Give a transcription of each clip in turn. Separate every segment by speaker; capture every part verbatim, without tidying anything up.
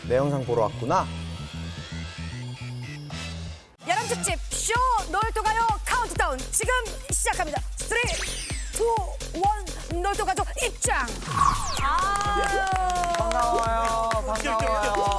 Speaker 1: 내 영상 보러 왔구나.
Speaker 2: 여름 특집 쇼 놀토 가요 카운트다운 지금 시작합니다. 쓰리, 투, 원 놀토 가족 입장. 아
Speaker 1: 반가워요. 반가워요.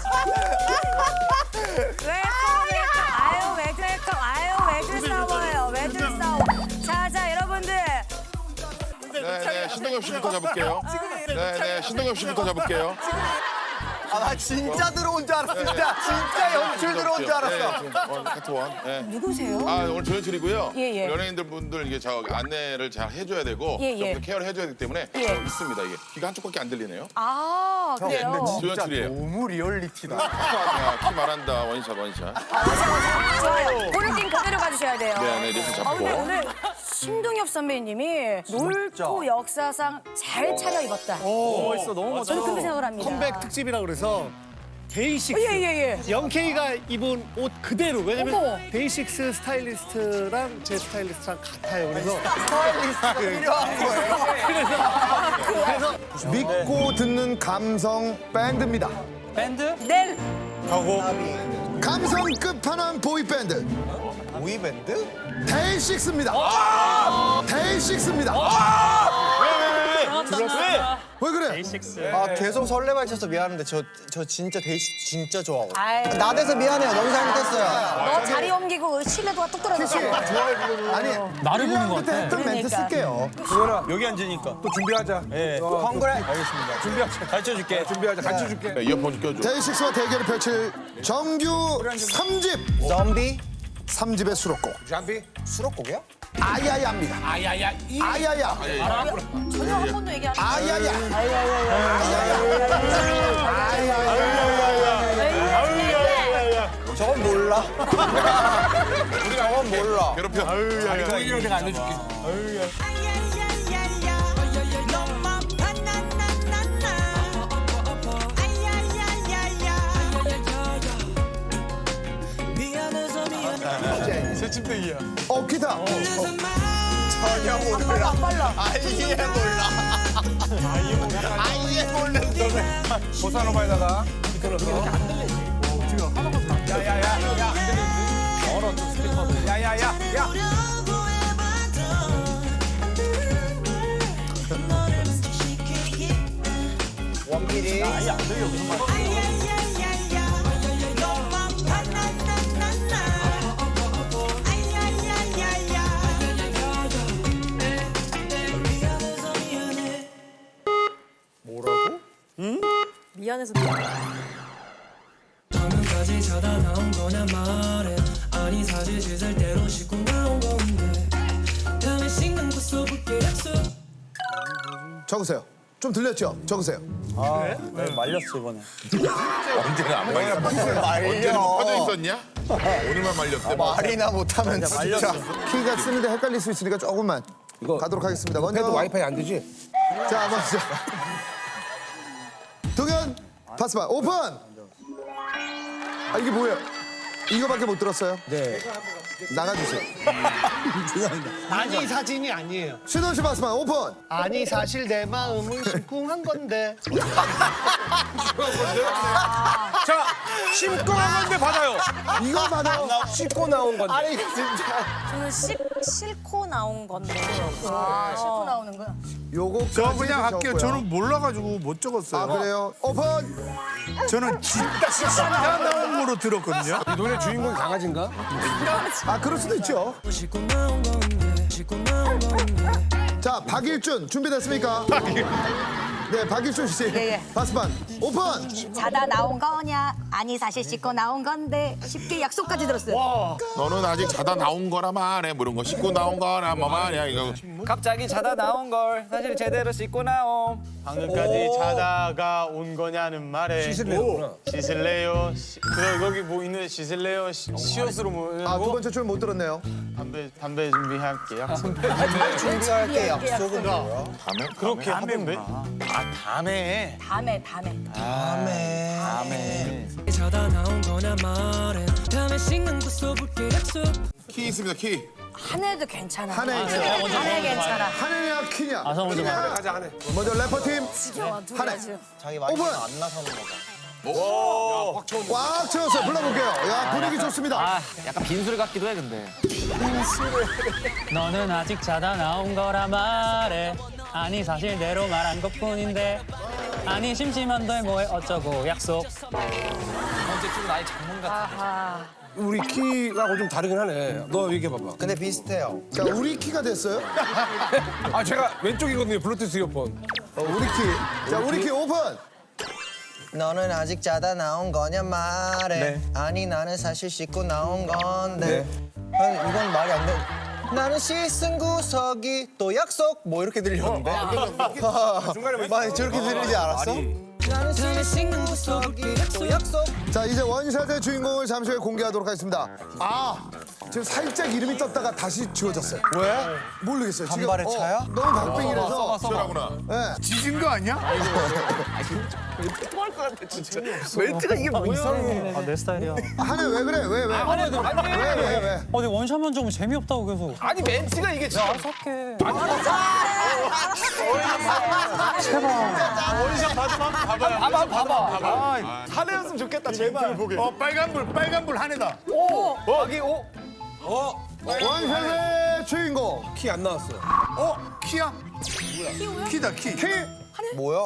Speaker 2: 웰컴 웰컴 아유 웰컴 아유 왜들 싸워요 왜들 싸워. 자자 여러분들.
Speaker 3: 네네 신동엽 씨부터 잡을게요. 네네 신동엽 씨부터 잡을게요.
Speaker 1: 아, 나 진짜 들어온 줄 알았어. 진짜 진짜 연출 들어온 줄 알았어.
Speaker 3: 네, 원, 카트 원. 네.
Speaker 2: 누구세요?
Speaker 3: 아 오늘 조연출이고요.
Speaker 2: 예, 예.
Speaker 3: 연예인들 분들 이게 저 안내를 잘 해줘야 되고
Speaker 2: 예, 예.
Speaker 3: 좀 케어를 해줘야 되기 때문에
Speaker 2: 예.
Speaker 3: 좀 있습니다. 이게 귀가 한쪽밖에 안 들리네요.
Speaker 2: 아 그래요.
Speaker 1: 진짜
Speaker 3: 조연출이에요.
Speaker 1: 너무 리얼리티다.
Speaker 3: 아, 키 말한다 원샷 원샷.
Speaker 2: 좋아요. 본인 그대로 가주셔야 돼요.
Speaker 3: 네네 이렇게
Speaker 2: 아 근데
Speaker 3: 잡고.
Speaker 2: 오늘 신동엽 선배님이 놀토 역사상 잘 차려입었다.
Speaker 4: 멋있어, 너무 멋져.
Speaker 2: 저는 그렇게 생각을 합니다.
Speaker 4: 컴백 특집이라 그래서 데이식스.
Speaker 2: 예예예.
Speaker 4: 영케이가 입은 옷 그대로. 왜냐면
Speaker 2: 어머.
Speaker 4: 데이식스 스타일리스트랑 제 스타일리스트랑 같아요. 그래서
Speaker 1: 스타일리스트가 필요한 거예요.
Speaker 4: 그래서
Speaker 5: 믿고 듣는 감성 밴드입니다.
Speaker 2: 네.
Speaker 5: 감성 끝판왕 보이밴드
Speaker 1: 보이밴드?
Speaker 5: 데이식스입니다. 데이식스입니다. 왜 그래?
Speaker 1: 아 계속 설레발 쳐서 미안한데 저 저 진짜 데이식 진짜 좋아하고.
Speaker 2: 아이.
Speaker 1: 나대서 미안해요. 너무 잘못했어요.
Speaker 2: 너 자리 옮기고 신뢰도가 뚝 떨어졌어.
Speaker 5: 아니 나를 보는 것 같아. 했던 멘트
Speaker 2: 그러니까.
Speaker 5: 쓸게요.
Speaker 6: 여기 앉으니까 또 준비하자. 예.
Speaker 1: 헝그레.
Speaker 6: 알겠습니다. 준비하자. 가르쳐 줄게. 준비하자. 가르쳐 줄게.
Speaker 3: 네, 이어폰 껴줘.
Speaker 5: 데이식스와 대결을 펼칠 정규 삼 집.
Speaker 1: 좀비?
Speaker 5: 삼 집의 수록곡.
Speaker 6: 잠비.
Speaker 1: 수록곡이야?
Speaker 5: 아야야입니다.
Speaker 6: 아야야. 이.
Speaker 5: 아야야.
Speaker 2: 전혀 한 번도 얘기 안 해.
Speaker 5: 아야야.
Speaker 1: 저건 몰라. 저건 몰라.
Speaker 3: 괴롭혀.
Speaker 6: 보이기로 내가 알려줄게.
Speaker 5: 어 기타.
Speaker 1: 전혀 몰라. 아예 몰라. 아예 모르는 노래.
Speaker 6: 보사노바에다가. 야야야. 야. 얼어 좀 스피커들. 야야야. 야.
Speaker 1: 원필이.
Speaker 6: 아예 안 들려 무슨 말.
Speaker 2: 미안해서
Speaker 7: 화면까지 자다 나온 거냐 말해. 아니 사실 씻을 대로 씻고 나온 건데 다음에 씻는 거 써볼게 약속.
Speaker 5: 적으세요. 좀 들렸죠? 적으세요.
Speaker 6: 말렸어 이번에.
Speaker 3: 언제나 안 말렸어. 언제는 퍼져 있었냐? 오늘만 말렸대.
Speaker 1: 말이나 못하면 진짜.
Speaker 5: 키가 쓰는데 헷갈릴 수 있으니까 조금만 가도록 하겠습니다. 먼저
Speaker 6: 와이파이 안 되지?
Speaker 5: 자 먼저 동현 파스바 오픈. 아 이게 뭐예요? 이거밖에 못 들었어요?
Speaker 6: 네.
Speaker 5: 나가주세요.
Speaker 4: 아니 사진이 아니에요.
Speaker 5: 신원 씨 파스바 오픈.
Speaker 4: 아니 사실 내 마음은 심쿵한 건데.
Speaker 6: 자, 심고 한 건데 받아요.
Speaker 5: 이거 받아요.
Speaker 6: 씻고 나온 건데.
Speaker 5: 아니 진짜.
Speaker 2: 저는 씻, 싣고 나온 건데. 아, 싣고 나오는 거야.
Speaker 5: 요거
Speaker 8: 저 그냥 할게요. 저는 몰라가지고 못 적었어요.
Speaker 5: 아 그래요? 오픈.
Speaker 8: 저는 진짜 진짜 나온 거로 들었거든요.
Speaker 6: 이 노래 주인공이 강아지인가?
Speaker 5: 아 그럴 수도 있죠.
Speaker 7: 씻고 나온 건데 씻고 나온 건데.
Speaker 5: 자 박일준 준비됐습니까? 네 박일준 씨
Speaker 2: 예, 예.
Speaker 5: 파스반 오픈.
Speaker 2: 자다 나온 거냐? 아니 사실 씻고 나온 건데 쉽게 약속까지 들었어요.
Speaker 3: 너는 아직 자다 나온 거라 말해. 뭐 이런 거 씻고 나온 거라 뭐 말이야 이거.
Speaker 9: 갑자기 자다 나온 걸 사실 제대로 씻고 나옴.
Speaker 8: 방금까지 자다가 온 거냐는 말에
Speaker 6: 씻을래요.
Speaker 8: 씻을래요. 시- 그 여기 뭐 있는 씻을래요. 시- 시옷으로 뭐
Speaker 5: 아 두 번째 줄 못 들었네요.
Speaker 8: 담배 담배 준비할게요.
Speaker 1: 준비할 때 약속은 뭐야?
Speaker 3: 다음에
Speaker 8: 그렇게 하던데.
Speaker 9: 아 다음에.
Speaker 2: 다음에 다음에.
Speaker 1: 다음에.
Speaker 7: 자다 나온 거냐 말해. 다음에 씻는 거 써볼게 약속.
Speaker 3: 키 있습니다 키.
Speaker 2: 한해도 괜찮아.
Speaker 5: 한해 있어요.
Speaker 2: 한해 괜찮아.
Speaker 5: 한해냐 키냐?
Speaker 6: 아서 먼저 가.
Speaker 5: 먼저 래퍼 팀
Speaker 2: 지겨워 둘
Speaker 5: 한해.
Speaker 2: 다 지금.
Speaker 1: 자기 많이
Speaker 5: 오픈.
Speaker 1: 안 나서는 거다.
Speaker 5: 꽉 채웠어요. 불러볼게요. 야, 분위기 좋습니다.
Speaker 9: 아, 약간 빈술 같기도 해 근데.
Speaker 10: 너는 아직 자다 나온 거라 말해. 아니 사실대로 말한 것뿐인데. 아니 심심한데 뭐해 어쩌고 약속.
Speaker 9: 이번 주 나의 장문 같아.
Speaker 6: 우리 키하고 좀 다르긴 하네. 너 얘기해봐봐.
Speaker 1: 근데 비슷해요.
Speaker 5: 자, 우리 키가 됐어요.
Speaker 6: 아 제가 왼쪽이거든요. 블루투스 이어폰.
Speaker 5: 어, 우리 키. 자, 우리 키 오픈.
Speaker 1: 너는 아직 자다 나온 거냐 말해. 아니 나는 사실 씻고 나온 건데. 아니, 이건 말이 안 돼. 나는 씻은 구석이 또 약속 뭐 이렇게 들렸는데.
Speaker 6: 중간에
Speaker 1: 많이 저렇게 들리지 않았어? 나는 씻은 구석이 또 약속.
Speaker 5: 자, 이제 원샷의 주인공을 잠시 후에 공개하도록 하겠습니다. 아, 지금 살짝 이름이 떴다가 다시 지워졌어요. 왜? 모르겠어요. 지금,
Speaker 1: 간발의
Speaker 5: 어,
Speaker 1: 차야?
Speaker 5: 너무 박빙이라서.
Speaker 3: 시원하구나.
Speaker 5: 네.
Speaker 1: 지진 거 아니야?
Speaker 4: 멘트가 이게 뭐야?
Speaker 10: 아, 내 스타일이야.
Speaker 5: 한해 왜 그래? 왜 왜? 왜 왜 왜?
Speaker 10: 어, 근데 원샷만 좀 재미없다고 계속.
Speaker 6: 아니 멘트가 이게 진짜.
Speaker 10: 어떡해.
Speaker 8: 원샷 받으면 한번 봐봐요.
Speaker 9: 봐봐 봐봐.
Speaker 1: 한해였으면 좋겠다 제발.
Speaker 3: 어, 빨간불, 빨간불 한해다.
Speaker 6: 여기 오. 어.
Speaker 5: 원샷의 주인공.
Speaker 6: 키 안 나왔어.
Speaker 3: 어, 키야? 키다, 키.
Speaker 5: 키.
Speaker 1: 뭐야?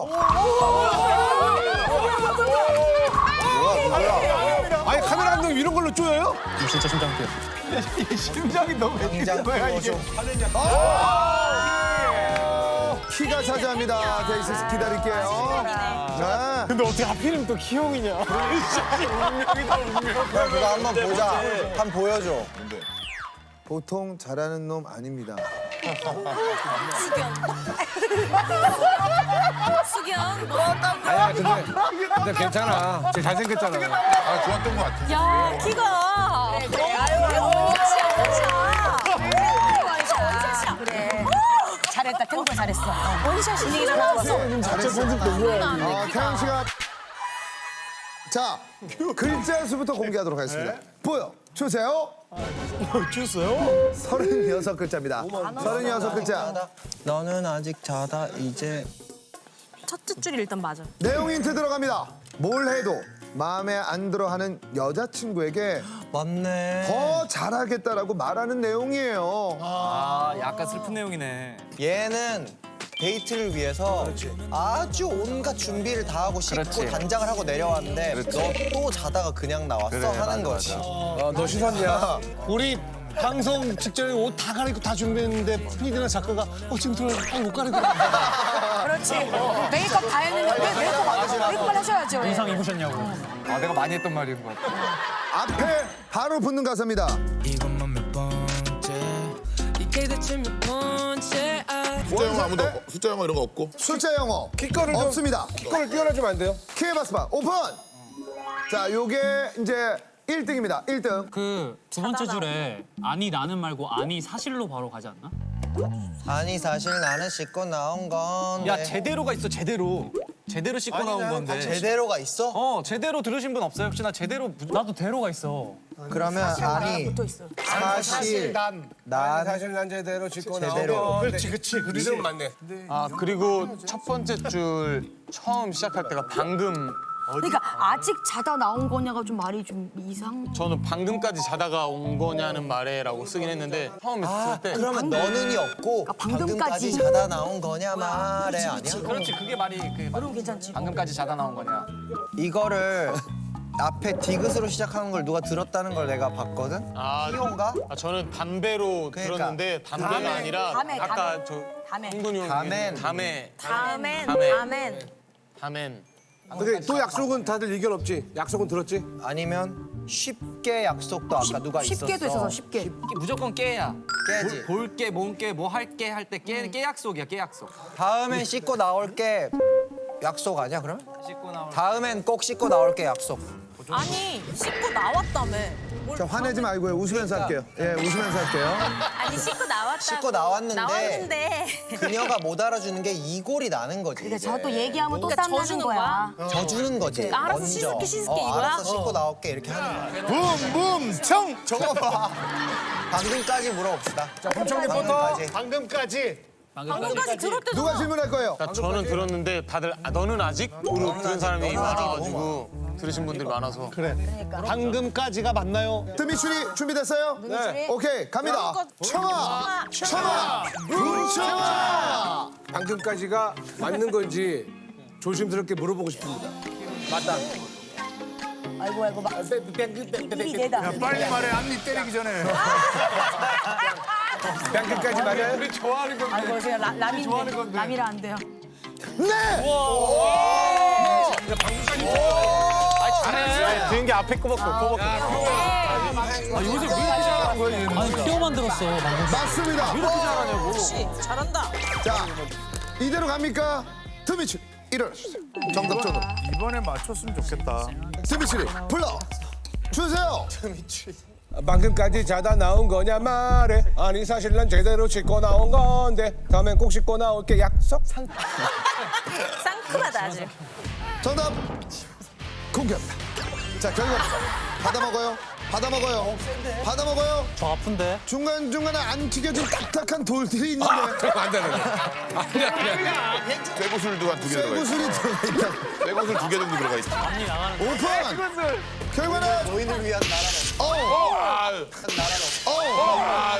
Speaker 6: 아니 카메라 감독 이런 걸로 쪼여요?
Speaker 10: 진짜 심장 뛰어.
Speaker 1: 굉장히 보여줘.
Speaker 5: 키가 차지합니다. 데이시스 기다릴게요. 네.
Speaker 8: 근데 어떻게 하필이면 또 키형이냐? 운명이다 운명.
Speaker 1: 야, 그거 한번 보자. 한번 보여줘.
Speaker 5: 보통 잘하는 놈 아닙니다.
Speaker 2: 수경.
Speaker 6: 아야 근데 근데 괜찮아. 쟤 잘생겼잖아.
Speaker 3: 아, 좋았던 것 같아.
Speaker 2: 야, 키가. 그래, 그래. 아유, 원샷이야, 원샷. 원샷이야. 그래. 잘했다, 태국가 잘했어. 원샷 분위기 좋았어.
Speaker 5: 아, 태양 씨가 자 글자 수부터 공개하도록 하겠습니다. 보여 주세요.
Speaker 8: 주세요?
Speaker 5: 서른여섯 글자입니다. 서른여섯 글자.
Speaker 1: 너는 아직 자다 이제.
Speaker 2: 첫째 줄이 일단 맞아.
Speaker 5: 내용 힌트 들어갑니다. 뭘 해도 마음에 안 들어하는 여자친구에게
Speaker 1: 맞네.
Speaker 5: 더 잘하겠다라고 말하는 내용이에요.
Speaker 9: 아, 약간 슬픈 내용이네.
Speaker 1: 얘는 데이트를 위해서 아주 온갖 준비를 다 하고 씻고
Speaker 9: 그렇지.
Speaker 1: 단장을 하고 내려왔는데 너 또 자다가 그냥 나왔어 하는 거지.
Speaker 6: 아너 씻었냐?
Speaker 4: 우리 방송 직전에 옷 다 갈아입고 다 준비했는데 피디나 작가가 어 지금 들어 아못 갈아입고.
Speaker 2: 그렇지. 메이크업 다 했는데 왜 메이크업 안 하셔? 메이크업을 하셔야죠. 왜.
Speaker 10: 의상 입으셨냐고.
Speaker 9: 아, 내가 많이 했던 말인 것 같아.
Speaker 5: 앞에 바로 붙는 가사입니다.
Speaker 7: 이것만 몇 번째 이게 대체 몇 번째 아
Speaker 3: 숫자 영어 아무도 없고, 숫자 영어 이런 거 없고.
Speaker 5: 숫자 영어
Speaker 6: 키거를 좀
Speaker 5: 없습니다.
Speaker 6: 키거를 띄워놔주면 안 돼요?
Speaker 5: 키에바스바 오픈. 자, 요게 이제 일 등입니다. 일 등.
Speaker 10: 그 두 번째 줄에 아니 나는 말고 아니 사실로 바로 가지 않나?
Speaker 1: 아니 사실 나는 씻고 나온 건데.
Speaker 9: 야, 제대로가 있어, 제대로. 제대로 씻고 나온 건데.
Speaker 1: 제대로가 있어?
Speaker 9: 어, 제대로 들으신 분 없어요? 혹시 나 제대로 무-
Speaker 10: 나도 대로가 있어.
Speaker 1: 그러면 아니
Speaker 2: 붙어 있어.
Speaker 1: 사실
Speaker 6: 난.
Speaker 1: 난
Speaker 6: 사실 난 제대로 씻고
Speaker 1: 제대로.
Speaker 6: 나온 거. 그렇지 그렇지. 그대로 맞네.
Speaker 8: 아 그리고 첫 번째 줄 처음 시작할 때가 방금.
Speaker 2: 그러니까 아직 자다 나온 거냐가 좀 말이 좀 이상.
Speaker 8: 저는 방금까지 자다가 온 거냐는 말에라고 쓰긴 했는데 처음에 쓸 때.
Speaker 1: 그러면 너는이 없고
Speaker 2: 방금까지.
Speaker 1: 방금까지 자다 나온 거냐 말해 아니야?
Speaker 9: 그렇지, 그게 말이 그
Speaker 2: 그럼 괜찮지.
Speaker 9: 방금까지 자다 나온 거냐.
Speaker 1: 이거를 앞에 디귿으로 시작하는 걸 누가 들었다는 걸 내가 봤거든?
Speaker 8: 아,
Speaker 1: 희용가?
Speaker 8: 아, 저는 담배로
Speaker 1: 그러니까.
Speaker 8: 들었는데 담배가
Speaker 1: 담에.
Speaker 8: 아니라
Speaker 2: 담에,
Speaker 8: 아까
Speaker 2: 담에.
Speaker 8: 저
Speaker 2: 담에.
Speaker 8: 홍근이 형이
Speaker 1: 담엔.
Speaker 8: 담에
Speaker 2: 다멘.
Speaker 8: 다멘.
Speaker 2: 다멘.
Speaker 8: 담엔.
Speaker 6: 근데 또 약속은 다들 의견 없지? 약속은 들었지?
Speaker 1: 아니면 쉽게 약속도 아까 누가 있었어.
Speaker 2: 쉽게도 있어서 쉽게.
Speaker 9: 무조건 깨야.
Speaker 1: 깨지.
Speaker 9: 볼게, 뭔게, 뭐 할게 할 때 깨, 깨 약속이야, 깨 약속.
Speaker 1: 다음엔 씻고 나올게 약속 아니야 그러면?
Speaker 9: 씻고 나올
Speaker 1: 다음엔 꼭 씻고 나올게 약속.
Speaker 11: 아니 씻고 나왔다며.
Speaker 5: 자, 화내지 말고요. 웃으면서 할게요. 예, 웃으면서 할게요.
Speaker 11: 아니 씻고 나왔다고.
Speaker 1: 씻고 나왔는데.
Speaker 11: 나왔는데.
Speaker 1: 그녀가 못 알아주는 게 이골이 나는 거지.
Speaker 2: 그러니까
Speaker 1: 이제.
Speaker 2: 저 또 얘기하면 또
Speaker 11: 그러니까
Speaker 2: 쌈나는
Speaker 11: 져주는
Speaker 2: 거야.
Speaker 1: 져주는 거지.
Speaker 11: 알아서
Speaker 1: 먼저.
Speaker 11: 씻을게, 씻을게
Speaker 1: 어,
Speaker 11: 이거야?
Speaker 1: 알아서 씻고 나올게 이렇게 하는 거야.
Speaker 3: 붐붐 청.
Speaker 1: 저거 봐. 방금까지 물어봅시다. 자,
Speaker 6: 범청 리포터.
Speaker 1: 방금까지.
Speaker 4: 방금까지
Speaker 11: 방금까지 들을 때도
Speaker 5: 누가 질문할 거예요?
Speaker 8: 저는 들었는데 다들 아, 너는 아직으로 들은 사람이 많아가지고 들으신 분들이 많아서.
Speaker 4: 그래. 방금까지가 맞나요?
Speaker 5: 드미추리 준비됐어요? 네. 오케이 갑니다. 청아, 청아, 문청아.
Speaker 6: 방금까지가 맞는 건지 조심스럽게 물어보고 싶습니다. 맞다.
Speaker 2: 아이고 아이고 막 입이 내다.
Speaker 3: 빨리 말해 앞니 때리기 전에.
Speaker 6: 방금까지 맞아요?
Speaker 8: 우리 좋아하는 건데.
Speaker 2: 아이고 제가 라, 라미인데 라미라 안 돼요.
Speaker 5: 네.
Speaker 8: 잘해. 들은 게 앞에 거밖에 없고.
Speaker 10: 아, 요새 왜 이렇게 잘하는 거야, 얘는? 아니, 피어만 들었어, 방금.
Speaker 5: 맞습니다.
Speaker 8: 왜 이렇게 잘하냐고.
Speaker 11: 잘한다.
Speaker 5: 자 이대로 갑니까? 드미추리 일어나주세요. 정답전으로.
Speaker 3: 이번에 맞췄으면 좋겠다.
Speaker 5: 드미추리 불러 주세요.
Speaker 6: 방금까지 자다 나온 거냐 말해. 아니 사실 난 제대로 씻고 나온 건데 다음엔 꼭 씻고 나올게 약속.
Speaker 11: 상큼하다 아주.
Speaker 5: 정답 공개합니다. 자 결과 받아 먹어요. 받아 먹어요. 받아 먹어요.
Speaker 10: 저 아픈데?
Speaker 5: 중간 중간에 안 튀겨진 딱딱한 돌들이 있는데
Speaker 6: 안 되는 거야. 아니 아니 아니.
Speaker 3: 쇠구슬도 한 두 개 들어가 있어.
Speaker 5: 쇠구슬이 들어가 있다.
Speaker 3: 쇠구슬 두 개 정도 들어가 있어.
Speaker 10: 앞니 나가는 거.
Speaker 5: 오픈. 결과는
Speaker 1: 노인을 위한 나라로.
Speaker 5: 어.
Speaker 3: 아유.
Speaker 5: 어.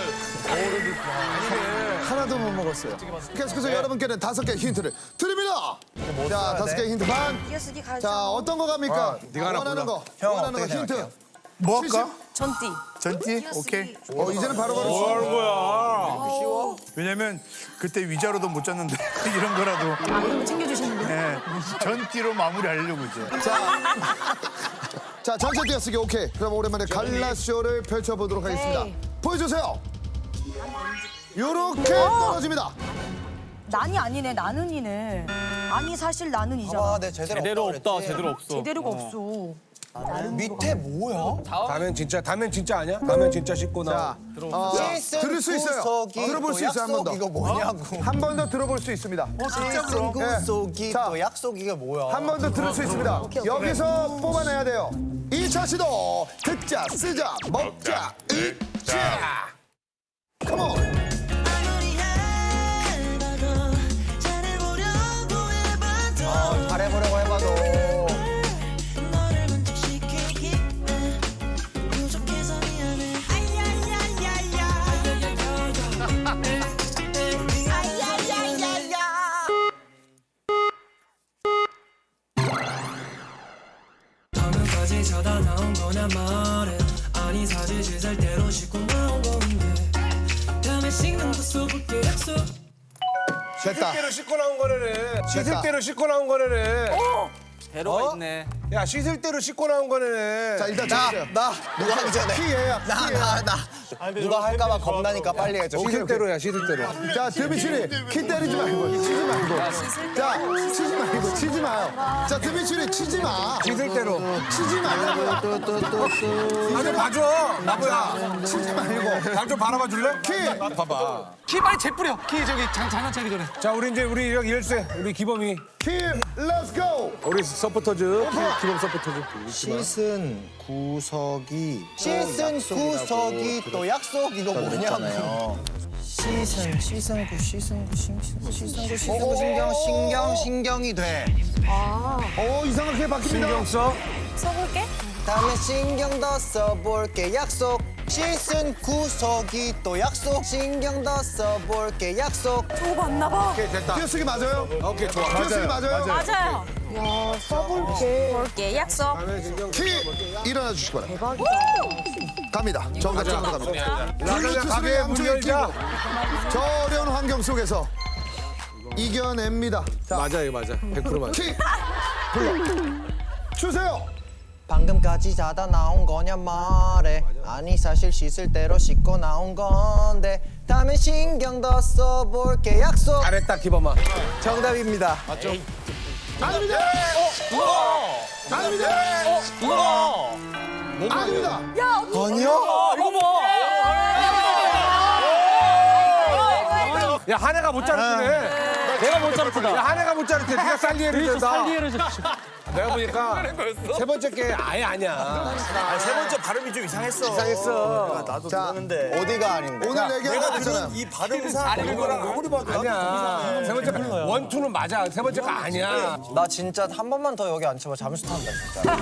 Speaker 5: 하나도 못 먹었어요. 계속해서 여러분께는 다섯 개 힌트를 드립니다. 자, 다섯 개 힌트 반.
Speaker 2: 이어쓰기 가죠.
Speaker 5: 자, 어떤 거 갑니까?
Speaker 6: 네가 하나
Speaker 5: 원하는
Speaker 6: 골라.
Speaker 5: 거.
Speaker 1: 형,
Speaker 5: 원하는 거
Speaker 1: 어떻게
Speaker 5: 힌트.
Speaker 1: 생각해요?
Speaker 3: 뭐 할까?
Speaker 11: 전띠.
Speaker 3: 전띠? 오케이.
Speaker 5: 어, 이제는 바로바로
Speaker 3: 뭐 하는
Speaker 5: 쉬워.
Speaker 3: 거야? 왜냐면 그때 위자료도 못 잤는데 이런 거라도
Speaker 2: 아 그런 거 챙겨주시는데.
Speaker 3: 네, 전띠로 마무리하려고 이제.
Speaker 5: 자, 자, 전체 띄어쓰기 오케이. 그럼 오랜만에 갈라쇼를 펼쳐보도록 하겠습니다. 보여주세요. 요렇게 떨어집니다.
Speaker 2: 난이 아니네 나는이네. 아니 사실 나는이잖아.
Speaker 1: 아, 네 제대로,
Speaker 8: 제대로
Speaker 1: 없다
Speaker 8: 없다,
Speaker 1: 그랬지.
Speaker 8: 제대로 없어.
Speaker 2: 제대로가 없어.
Speaker 1: 밑에 뭐야?
Speaker 6: 다음엔 진짜 다음엔 진짜 아니야? 다음엔 진짜 씻고
Speaker 5: 자,
Speaker 6: 나.
Speaker 5: 어, 들을 수 있어요.
Speaker 1: 구속이
Speaker 5: 들어볼
Speaker 1: 또
Speaker 5: 수 있어요, 한 번 더.
Speaker 1: 약속 이거 뭐냐고.
Speaker 5: 한 번 더 들어볼 수 있습니다.
Speaker 1: 실승 구속이
Speaker 5: 자.
Speaker 1: 또 약속 이게 뭐야?
Speaker 5: 한 번 더 들을 수 있습니다. 여기서 뽑아내야 돼요. 이 차 시도 듣자, 쓰자, 먹자, 읽자. 컴온.
Speaker 1: 어, 잘해보려고 해봐도.
Speaker 7: 방금까지 자다 나온 거냐 말해. 아니 사실 씻을 대로 씻고 나온 건데 다음에 씻는 거 써볼게 약속.
Speaker 5: 됐다.
Speaker 6: 씻을 대로 씻고 나온 거네. 씻을
Speaker 5: 됐다.
Speaker 6: 대로 씻고 나온 거네.
Speaker 9: 배로가
Speaker 6: 어?
Speaker 9: 있네.
Speaker 6: 야 씻을 대로 씻고 나온 거네.
Speaker 5: 자, 일단
Speaker 1: 나,
Speaker 5: 주세요.
Speaker 1: 나, 누가 하기 전에.
Speaker 5: 키예요.
Speaker 1: 나, 나, 나. 누가 할까봐 겁나니까 빨리 해줘.
Speaker 6: 씻을 대로야 씻을 대로.
Speaker 5: 자, 드미추리 키 때리지 말고 치지 말고. 자, 치지 말고 치지 마요. 자, 드미추리 치지 마.
Speaker 6: 씻을 대로.
Speaker 5: 치지 말라고요.
Speaker 6: 나좀 봐줘. 나보야.
Speaker 5: 치지 말고.
Speaker 6: 나 좀 바라봐 줄래?
Speaker 5: 키.
Speaker 6: 봐봐.
Speaker 10: 키 빨리 재뿌려. 키 저기 장, 장난치기 전에.
Speaker 6: 자 우리 이제 우리 여기 열쇠 우리 기범이
Speaker 5: 키, 렛츠 고.
Speaker 6: 우리 서포터즈 기범 서포터즈.
Speaker 1: 씻은 구석이 씻은 구석이 또 약속 이거 뭐냐고. 씻은 씻은 구 씻은 구 씻은 구 씻은 구 씻은 구 신경 신경 신경이 돼.
Speaker 5: 오, 이상하게 바뀝니다.
Speaker 6: 신경 써.
Speaker 11: 써볼게.
Speaker 1: 다음에 신경 더 써볼게 약속. 씻은 구석이 또 약속. 신경 더 써볼게 약속.
Speaker 11: 저거 맞나 봐.
Speaker 6: 오케이 됐다.
Speaker 5: 띄어쓰기 맞아요?
Speaker 6: 오케이 좋아.
Speaker 5: 띄어쓰기 맞아요?
Speaker 11: 맞아요. 야, 써볼게. 볼게. 약속.
Speaker 5: 키 일어나 주시기 바랍니다. 갑니다. 정답적으로 갑니다.
Speaker 6: 라자냐 가게 문 열자.
Speaker 5: 저 어려운 환경 속에서 이겨냅니다. 자,
Speaker 6: 맞아 이거 맞아. 백 퍼센트 맞아.
Speaker 5: 키 불러 주세요.
Speaker 1: 방금까지 자다 나온 거냐 말해. 아니 사실 씻을 대로 씻고 나온 건데 다음엔 신경 더 써볼게 약속.
Speaker 6: 잘했다 기범아.
Speaker 1: 정답입니다.
Speaker 5: 아닙니다. 아닙니다. 아닙니다.
Speaker 1: 아니요?
Speaker 6: 야 한해가 못 자르네.
Speaker 10: 내가 못 잡다.
Speaker 6: 야 한해가 못 자르대. 네가 살리에를
Speaker 10: 그래서
Speaker 6: 댄다.
Speaker 10: 살리에를 잡.
Speaker 6: 내가 보니까 세 번째 게 아예 아니야.
Speaker 1: 세 번째 발음이 좀 이상했어.
Speaker 6: 이상했어.
Speaker 1: 나도
Speaker 5: 자,
Speaker 1: 들었는데 어디가 아닌데?
Speaker 5: 오늘 얘기한 거 있잖아요.
Speaker 1: 이 발음상 아닌 거랑 아무리 봐도
Speaker 6: 아니야. 세 번째 원투는 맞아. 세 번째가 아니야.
Speaker 1: 나 진짜 한 번만 더 여기 앉혀봐 잠수 탄다 진짜.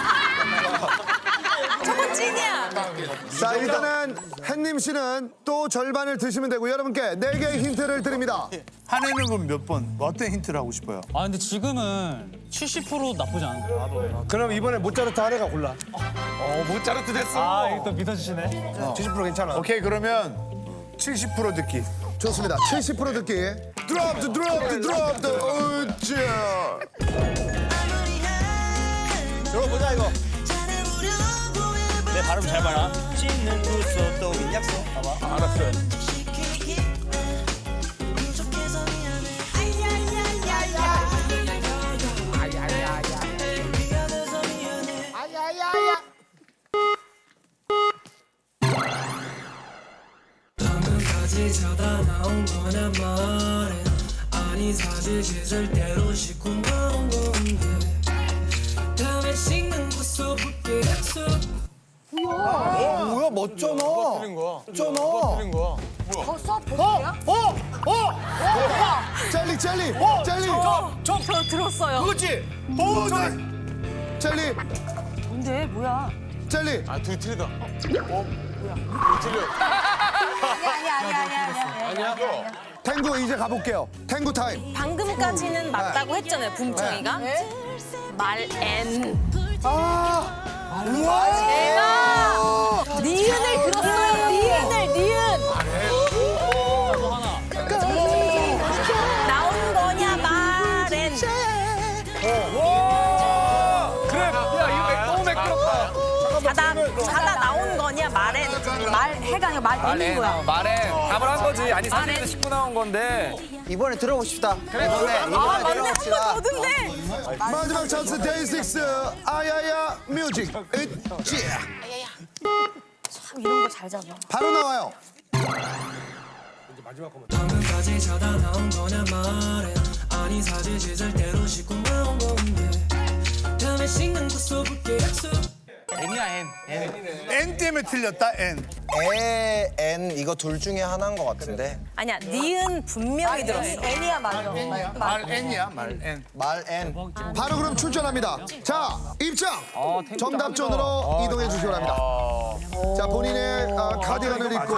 Speaker 2: 저건 찐이야.
Speaker 5: 자, 일단은 햇님 씨는 또 절반을 드시면 되고 여러분께 네 개의 힌트를 드립니다.
Speaker 12: 한해는 그럼 몇 번? 어떤 힌트를 하고 싶어요?
Speaker 10: 아 근데 지금은 칠십 퍼센트 나쁘지 않아.
Speaker 6: 그럼 이번에 모짜르트 한 애가 골라.
Speaker 8: 어 모짜르트 됐어.
Speaker 10: 아 이거 또 믿어주시네.
Speaker 6: 칠십 퍼센트 괜찮아.
Speaker 12: 오케이, 그러면 칠십 퍼센트 듣기.
Speaker 5: 좋습니다. 칠십 퍼센트 듣기.
Speaker 3: 드롭 드 드롭 드 드롭 드 으쌰.
Speaker 1: 들어보자 이거.
Speaker 10: 내 발음 잘 봐라.
Speaker 1: 찢는 구속 또 약속. 봐봐.
Speaker 6: 알았어요.
Speaker 7: 방금까지 자다 나온 거냐 말해 아니 사실 씻을 대로 씻고 나온 건데 다음에 씻는 거 써볼게 약속
Speaker 1: 어, 뭐야 멋져너.
Speaker 8: 틀린 거야.
Speaker 1: 멋져너.
Speaker 8: 틀린 거야.
Speaker 2: 벌써 보세요?
Speaker 5: 젤리, 젤리, 젤리,
Speaker 2: 저, 저 들었어요.
Speaker 5: 그렇지.
Speaker 12: 오, 나
Speaker 5: 젤리,
Speaker 2: 뭔데? 뭐야?
Speaker 5: 젤리.
Speaker 8: 아 둘이 틀리다. 어? 뭐야? 틀려.
Speaker 2: 아니야, 아니야, 아니야, 아니야. 아니야.
Speaker 5: 탱구 이제 가볼게요. 탱구 타임.
Speaker 2: 방금까지는 맞다고 했잖아요, 붐청이가. 말엔.
Speaker 5: 아,
Speaker 2: 제가 니은을 들었어요, 니은을, 니은.
Speaker 10: 또 하나.
Speaker 2: 나온 거냐, 말엔.
Speaker 6: 그래. 야 이거 너무 매끄럽다.
Speaker 2: 자다, 자다 나온 거냐, 말엔. 말해가 아니라 말엔인 거야.
Speaker 9: 말해 답을 한 거지. 아니
Speaker 2: 말해.
Speaker 9: 사진에서 씻고 나온 건데.
Speaker 1: 이번에 들어보고 싶다. 이번에
Speaker 2: 아,
Speaker 1: 이번에
Speaker 2: 맞네. 한
Speaker 1: 들어봅시다.
Speaker 2: 번 더 듣네.
Speaker 5: 마지막 찬스 데이식스 아야야 뮤직. 으쌰.
Speaker 2: 참 이런 거 잘 잡아.
Speaker 5: 바로 나와요.
Speaker 7: 방금까지 자다 나온 거냐 말해 아니 사실 씻을 대로 씻고 나온 건데 다음에 씻는 거 써볼게 약속
Speaker 9: N이야 N.
Speaker 12: N 때문에 틀렸다, N.
Speaker 1: 에, 엔 이거 둘 중에 하나인 것 같은데.
Speaker 2: 아니야, 니은 분명히 들었어. 애니야, 맞아.
Speaker 12: 말 N이야, 말 N.
Speaker 1: 말 엔.
Speaker 5: 바로 그럼 출전합니다. 자, 입장. 정답존으로 이동해 주시기 바랍니다. 자, 본인의 아, 카디건을 입고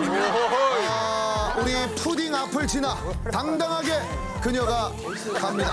Speaker 5: 아, 우리 푸딩 앞을 지나 당당하게 그녀가 갑니다.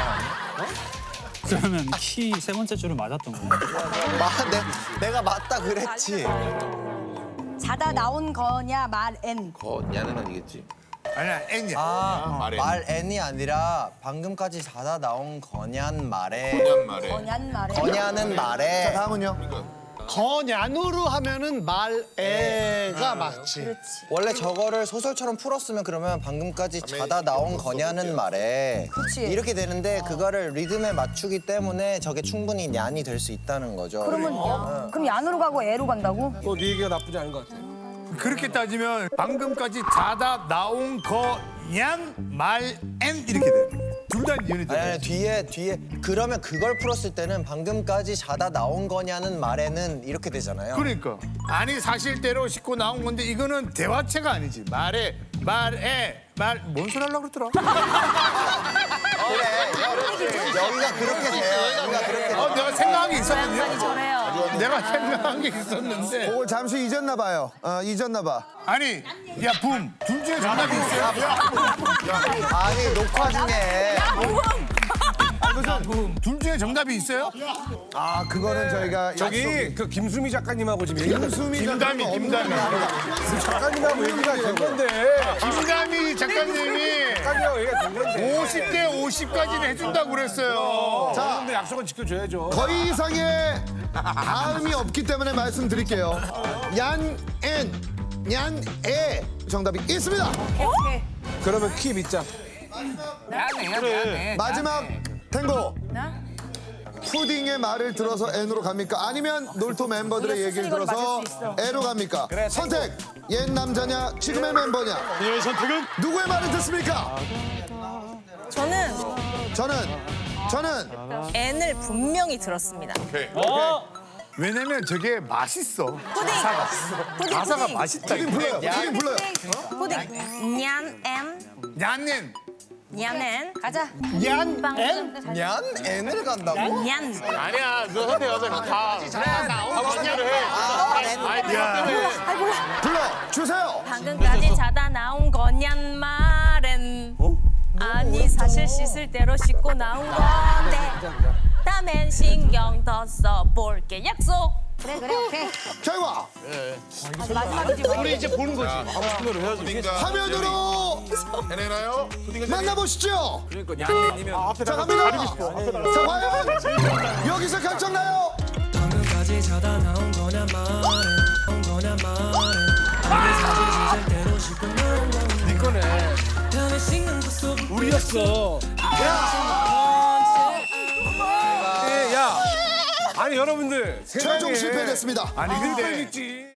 Speaker 10: 그러면 키 세 번째 줄은 맞았던 거야.
Speaker 1: 마, 내, 내가 맞다 그랬지.
Speaker 2: 자다 나온 거냐, 말엔.
Speaker 3: 거냐는 아니겠지.
Speaker 12: 아니야, N이야.
Speaker 1: 아,
Speaker 3: 말 엔.
Speaker 1: 말 엔이 아니라 방금까지 자다 나온 거냔 말에.
Speaker 3: 거냔 말에.
Speaker 2: 거냔 말에.
Speaker 1: 거냐는 말에.
Speaker 5: 다음은요.
Speaker 4: 거냐누로 하면은 말애가 맞지.
Speaker 1: 원래 저거를 소설처럼 풀었으면 그러면 방금까지 자다 나온 거냐는 말에
Speaker 2: 그치.
Speaker 1: 이렇게 되는데 그거를 리듬에 맞추기 때문에 저게 충분히 냔이 될 수 있다는 거죠.
Speaker 2: 그러면 그럼 얀으로 가고 애로 간다고?
Speaker 6: 또 네 얘기가 나쁘지 않은 것 같아.
Speaker 12: 그렇게 따지면 방금까지 자다 나온 거냥 말 N 이렇게 돼. 둘 다 연이
Speaker 1: 아니,
Speaker 12: 돼.
Speaker 1: 아니 뒤에 뒤에 그러면 그걸 풀었을 때는 방금까지 자다 나온 거냐는 말에는 이렇게 되잖아요.
Speaker 12: 그러니까 아니 사실대로 씻고 나온 건데 이거는 대화체가 아니지. 말해, 말해, 말 뭔 소리 하려고 그러더라.
Speaker 1: 그래 여기가 그렇게 돼요. 여기가 그렇게 돼요.
Speaker 12: 어, 내가 생각한 게
Speaker 2: 양반이
Speaker 12: 있었거든요.
Speaker 2: 저래요.
Speaker 12: 내가 생각한 게 있었는데.
Speaker 5: 그걸 잠시 잊었나 봐요. 어, 잊었나 봐.
Speaker 12: 아니, 야, 붐. 둘 중에 정답이 있어요?
Speaker 1: 아니 녹화 중에
Speaker 12: 둘 중에 정답이 있어요?
Speaker 5: 아, 그거는 저희가
Speaker 6: 저기 그 김수미 작가님하고 지금 얘기
Speaker 5: 김수미
Speaker 12: 김다미, 김다미.
Speaker 6: 작가님하고 얘기가 된 건데.
Speaker 12: 김다미 작가님이
Speaker 6: 작가님하고 얘기가 된 건데.
Speaker 12: 오십 대 오십까지는 해준다고 그랬어요.
Speaker 6: 자, 근데 약속은 지켜줘야죠.
Speaker 5: 거의 이상의 다음이 없기 때문에 말씀드릴게요. 얀, 엔, 얀, 에 정답이 있습니다.
Speaker 6: 그러면 키 믿자.
Speaker 9: 그래.
Speaker 5: 마지막 탱고. 푸딩의 말을 들어서 N으로 갑니까? 아니면 놀토 멤버들의 얘기를 들어서 N으로 갑니까? 선택! 옛 남자냐? 지금의 멤버냐?
Speaker 8: 그녀의 선택은
Speaker 5: 누구의 말을 듣습니까?
Speaker 2: 저는
Speaker 5: 저는 저는
Speaker 11: N을 분명히 들었습니다.
Speaker 3: 오케이.
Speaker 12: 왜냐면 저게 맛있어.
Speaker 11: 푸딩. 푸딩.
Speaker 12: 가사가
Speaker 11: 푸딩.
Speaker 12: 맛있다.
Speaker 5: 푸딩 불러요. 푸딩 불러요.
Speaker 11: 푸딩. 냔 N.
Speaker 12: 얀넨.
Speaker 11: 냔 N. 가자.
Speaker 1: 냔
Speaker 11: 빵.
Speaker 1: N? 냔 N을 간다고?
Speaker 11: 냔.
Speaker 8: 아니야 너 선택하자 가 그래 나온 거냐를 해 아이 내가 때문에
Speaker 5: 불러 주세요.
Speaker 11: 방금까지 자다 나온 거냔 말은 아니 사실 씻을 대로 씻고 나온 건데 다음엔 신경 더 써볼게 약속. 그래 그래 오케이.
Speaker 5: 결과
Speaker 11: 마지막이지 뭐.
Speaker 8: 우리 이제 보는 거지
Speaker 3: 푸딩과
Speaker 5: 화면으로
Speaker 3: 해내나요? 푸딩과
Speaker 5: 만나보시죠.
Speaker 6: 그러니까
Speaker 5: 자 갑니다. 자 과연 여기서 결정나요?
Speaker 7: 방금까지 자다 나온 거냐 말해 나온 거냐 말해 아니 사실 씻을 대로 씻고 나온 건데
Speaker 6: 네 거네.
Speaker 7: 다음에 씻는 거 써볼게
Speaker 6: 우리였어. 야. 아니 여러분들
Speaker 5: 최종
Speaker 6: 세상에
Speaker 5: 실패됐습니다.
Speaker 6: 아니 근데 있지.